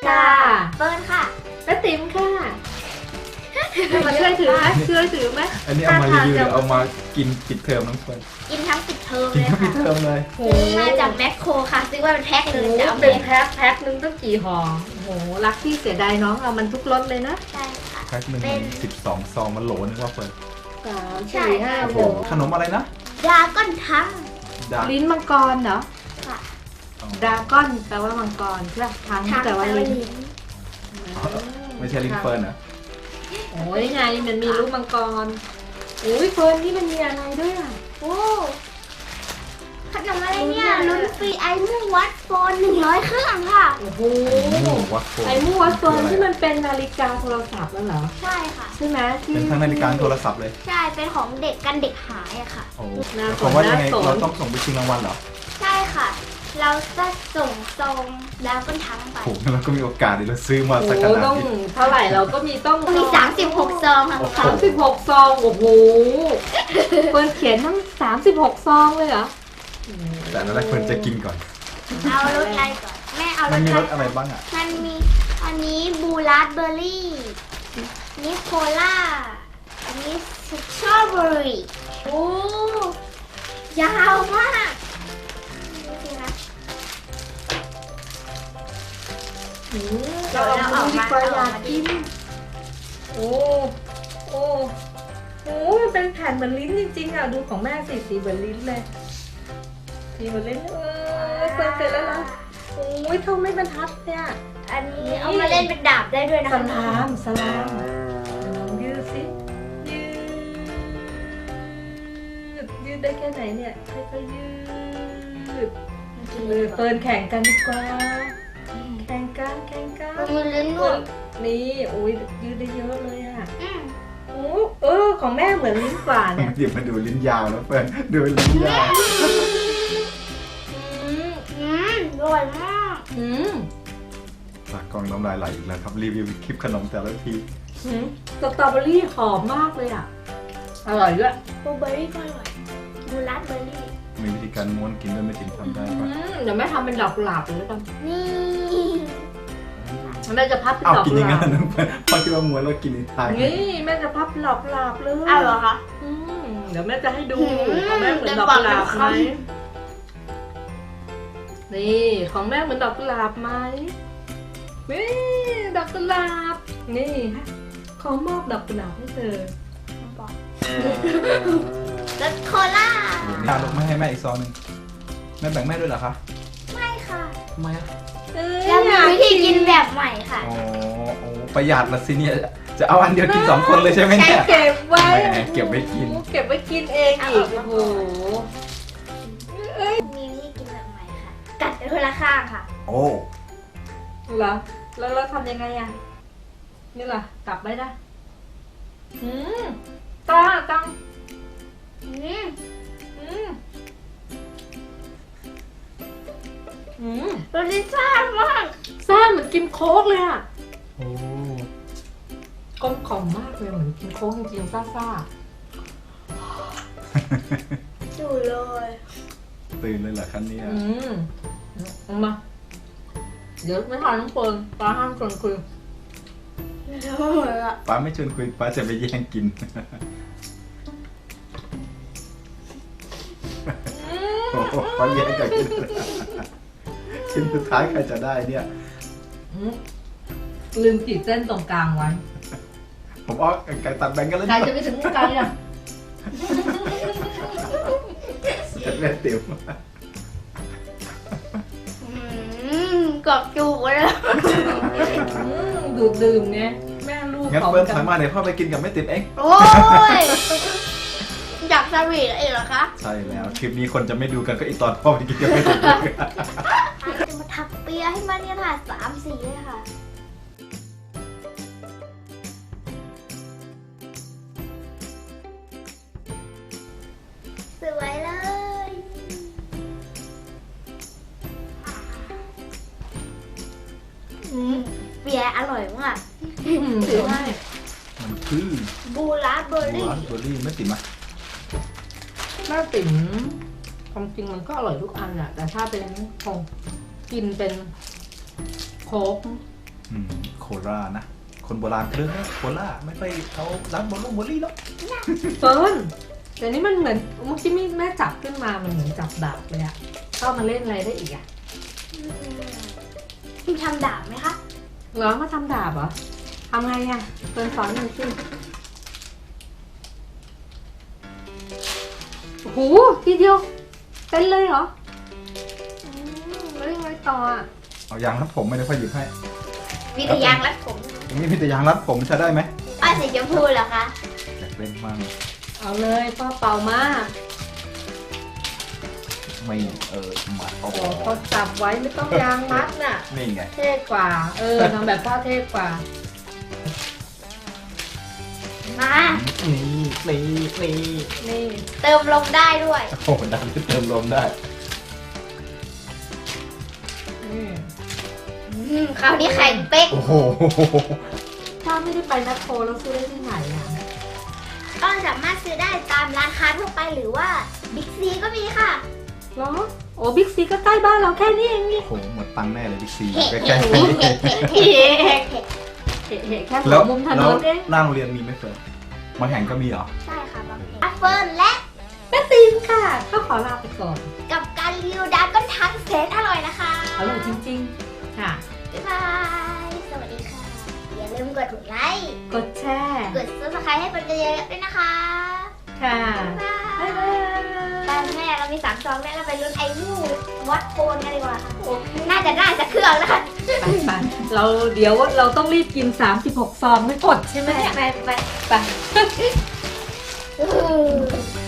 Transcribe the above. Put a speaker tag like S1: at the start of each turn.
S1: ค่ะ
S2: เฟิร์นค่ะ
S1: และติ๋มค่ะมาช่วยถือไหมช่วยถือไหม
S3: อันนี้เอามารีวิวหรือเอามากินปิดเทอมน้องเฟิร์น
S2: กินทั้งปิดเทอม
S3: กิน
S2: เลย
S3: ทั้งปิด
S2: ค่ะ
S3: เทอมเลย
S1: โอ้
S2: ซื้อมาจากแมคโครค่ะซื้อมาเป็นแพ็คเลยจะเอา
S1: เป็น
S2: แพ็ค
S1: แพ็คนึงตั้งกี่ห่อโอ้โหรักที่เสียดายน้องเอามันทุกรสเลยนะ
S2: ใช่ค่ะ
S3: แพ็คหนึ่ง
S2: เป็น
S3: 12 ซองมันโหลนึงว่าเฟิร์น
S1: สาม
S2: ใช่
S1: สี่ห้า
S3: โอ้
S1: ห
S3: โห
S1: ก
S3: ขนมอะไรนะ
S2: ดราก้อนทั้ง
S3: ดาร์ก
S1: ลิ้นมังกรเหรอ
S2: ค่ะ
S1: ดราก้อนแปลว่ามังกรใช่ไหมทั้ง
S2: ทั้ง
S1: แปลว่าลิ้น
S3: ไม่ใช่ลิ้นเฟิร์นเหรอ
S1: โอ้ยไงมันมีลูกมังกรโอ้ยเฟิร์นนี่มันมีอะไรด้วยอ่ะ
S2: โอ้ขนมอะไรเนี่ยลุ้นฟรีไอมุ่งวัดโฟน100 เครื่องค่ะ
S1: โอ้โห
S3: วัดโฟน
S1: ไอ้มูวัดโซนที่มันเป็นนาฬิกาโทรศัพท์แล้วเหรอ
S2: ใช่ค่ะ
S1: ใช่ไหมที่
S3: เป็นทั้งนาฬิกาโทรศัพท์เลย
S2: ใช่เป็นของเด็กกันเด็กหายอะค่ะ
S3: โอ้
S1: น่าสน
S3: ผมว่ายังไง
S1: น่าสน
S3: เราต้องส่งไปชิงรางวัลเหรอ
S2: ใช่ค่ะ เราจะส่งซองดราก้อนทั้งไป
S3: โอ้โหงั้นเราก็มีโอกาสเดี๋ยวเราซื้อมา
S1: โอ้
S3: สัก
S1: โห
S3: ขนาด
S1: ต้อง
S3: นี้
S1: เท่าไหร่เราก็มีต้อง
S2: มี36 ซองค่ะ
S3: โอ้โห
S1: 36 ซอง โอ้โหเฟิร์นเขียนทั้ง36 ซองเลยเหรอ
S3: แต่อันแรกเฟิร์นจะกินก่อน
S2: เอารสอะไรก่อนแม่เอาร
S3: มัน
S2: ส
S3: มี
S2: อะไร
S3: รสอะไรบ้างอ่ะ
S2: มันมีอันนี้บูราสเบอร์รี่นิโคล่าอันนี้สตรอเบอรี่โอ้ยาวมากดูสิคะ
S1: เราเอามาดีกว่าอยากกิน โอ้โอ้โอ้มันเป็นแผ่นเหมือนลิ้นจริงๆอ่ะ ดูของแม่สีเหมือนลิ้นเลย สีเหมือนลิ้นเฟิร์นเสร็จแล้วนะโอ้ยเท่าไม่บรรทัดเนี่ย
S2: อันนี้เอามาเล่นเป็นดาบได้ด้วยนะ
S1: ส
S2: คะ
S1: ลามสลามลองยืดสิยืดได้แค่ไหนเนี่ยค่อยๆยืดเฟิร์นแข่งกันดีกว่า แข่งกัน
S2: มันมีลิ้นด้วย
S1: นี่โอ้ยยืดได้เยอะเลยอ่ะ
S2: อืม
S1: โอ้ของแม่เหมือนลิ้นกว่าเนี่ย
S3: เดี๋ยวมาดูลิ้นยาวแล้วเฟิร์นดูลิ้นยาว
S2: อร่อยมาก
S1: อืม
S3: ปากกล้องน้ำลายไหลอีกแล้วครับรีวิวคลิปขนมแต่ละที
S1: สตรอเบอรี่หอมมากเลยอ่ะ อร่อยด้วย
S2: บลูเบอร์รี่ก็อร่อยบูราสเบอร์รี่
S3: มีวิธีการม้วนกินด้วยไม่ติมทำได้ปะ
S1: เดี๋ยวแม่ทำเป็นดอกกุหลาบเลยแล้วกัน
S2: นี่
S1: แม่จะพับเป็น
S3: อ้าว
S1: ดอก
S3: กิน
S1: กุ
S3: อย่าง
S1: ห
S3: นั้
S1: ลาน บ
S3: นะเฟิร์นพอคิดว่าม้วนแล้วกินในไทย
S1: นี่แม่จะพับเป็นดอกกุหลาบเลย
S2: อ้าวเหรอคะ
S1: เดี๋ยวแม่จะให้ดู
S2: อืม
S1: ของแม่เหมือนดอกกุหลาบไหมนี่ของแม่เหมือนดอกกุหลาบไหมนี่ดอกกุหลาบนี่ขอมอบดอกกุหลาบให้เธอ
S2: รสโคล่า
S3: ตาลูกไม่ให้แม่อีกซองหนึงแม่แบ่งแม่ด้วยเหรอคะ
S2: ไม่ค่ะ
S3: ทำไมอ่ะ
S2: แล้วมีวิธีกินแบบใหม่ค่ะ
S3: อ๋อโอ้ประหยัดละสิเนี่ยจะเอาอันเดียวกิน2 คนเลยใช่ไหมเนี่ย
S1: เก็บไว้
S3: แหมเก็บไว้กิน
S1: เก็บไว้กินเองอีก
S2: เอา
S1: โอ้
S2: ออก
S1: โห
S2: มีวิธีกินแบบใหม่ค่ะ กัดคนละข้างค่ะ
S3: โอ้
S1: เหรอแล้วเราทำยังไงอ่ะนี่ล่ะกลับไปได้ตัง
S2: อืม รสลิซ่ามาก
S1: ซ่าเหมือนกินโค้กเลยอ่ะ
S3: โอ้
S1: กลมกล่อมมากเลยเหมือนกินโค้กจริงๆซ่า
S2: ดูเลย
S3: ตื่นเลยเหรอคะเนี่ย
S1: เอามาเดี๋ยวไม่ทานน้องเฟิร์นปลาห้ามชวนคุย
S3: ป้าไม่ชวนคุยป้าจะไปแย่งกินโอ้โหป้าแย่งกันกินชิ้นสุดท้ายใครจะได้เนี่ย
S1: ลืมขีดเส้นตรงกลางไว้
S3: ผมเอาไก่ตัดแบ่งกันแล้ว
S1: ใครจะไปถึงไกลอ่ะ
S3: จะเล่นติ๋ว
S2: กรอบจูบเลย
S1: ดูดดื่มไงแม่ลูก
S3: งั้น
S1: ของ
S3: เฟิร์น
S1: กั
S3: ถอยมาเดี๋ยวพ่อไปกินกับแม่ติ๋มเอง
S2: โอ้ยอยากสวีทเองเหรอคะ
S3: ใช่แล้วคลิปนี้คนจะไม่ดูกันก็อีตอนพ่อไปกินกับแม่ติ๋ม
S2: จะมาถักเปียให้มันเนี่ยค่ะ3 สีเลยค่ะ สวยเลยเปียอร่อยมาก
S1: ถือให้
S3: มันคือ
S2: บูราสเบอร์รี่
S3: ร้านเบอร์รี่แม่ติ๋มอะ
S1: แม่ติ๋มความจริงมันก็อร่อยทุกอันอะแต่ถ้าเป็นของกินเป็นโค้ก
S3: โครานะ คนโบราณเรื่องนะโคราไม่ไปเขาร้านบอลลี่หรอก
S1: เฟิร์นเดี๋ยวนี้มันเหมือนเมื่อกี้แม่จับขึ้นมามันเหมือนจับดาบเลยอะเข้ามาเล่นอะไรได้อีกอะ
S2: คุณทำดาบไหมคะ
S1: เหรอมาทำดาบเหรอทำไงอะเฟิร์นสอนหน่อยสิโอ้โหทีเดียวเป็นเลยเหรอแล้วยังไงต่ออะ
S3: เอายางรัดผมไม่ได้ค่อยหยิบให้
S2: มีแต่ยางรัดผม
S3: ตรงนี้มีแต่ยางรัดผมใช้ได้ไหม
S2: ป้ายสีชมพูเหรอคะ
S3: อยากเล่นมั่ง
S1: เอาเลยพ่อเป่ามา
S3: ไม่มาโอ้
S1: โอ้โหเขาจับไว้ไม่ต้องยางมัดน่ะ
S3: นี่ไง
S1: เท่กว่า ทำแบบพ่อเท่กว่า
S2: มา
S3: นี่
S1: นี่
S2: เติมลมได้ด้วย
S3: โอ้โหดันเติมลมได้
S1: นี่
S2: คราวนี้แข็งเป๊ก
S3: โอ้โห
S1: ถ้าไม่ได้ไปแมคโครแล้วซื้อได้ที่ไหนอ่ะ
S2: ก็สามารถซื้อได้ตามร้านค้าทั่วไปหรือว่าบิ๊กซีก็มีค่ะ
S1: เหรอ โอ้บิ๊กซีก็ใกล้บ้านเราแค่นี้เองนี่
S3: โอ้โหหมดตังค์แน่เลยบิ๊กซี
S2: เฮ้
S3: ใกล้
S2: เฮ้
S3: ๆ
S2: เฮ้เฮ้
S1: เห็นแค่หั
S3: แล้ว ว
S1: มุมถน
S3: แล้ว
S1: นเอง
S3: หน้าโรงเรียนมีไหมเฟิร์นบางแห่งก็มีเหรอ
S2: ใช่ค่ะบางทีเฟิร์นและ
S1: แม่ตีนค่ะก็ขอลาไปก่อน
S2: กับการรีวิวดาร์กก็ทั้งแสนอร่อยนะคะ
S1: อร่อยจริงๆ ค่ะ
S2: บ๊ายบาย สวัสดีค่ะ อย่าลืมกดไลค์
S1: กดแชร์
S2: กด subscribe ให้เป็นกันเยอะๆด้วยนะคะ
S1: ค่ะ
S2: บ๊ายบา
S1: บ๊าย ยบาย
S2: ตอนแม่เรามี3 ซองแล้วเราไปลุ้นไอ้มูวัดโคนกันดีกว่าค่ะ
S1: โอเค
S2: น่าจะได้สักเครื่องนะคะ
S1: ไปเราเดี๋ยวเราต้องรีบกิน 36 ซองไม่กดใช่ไหมเนี่ย
S2: ไป
S1: ไป
S2: อือ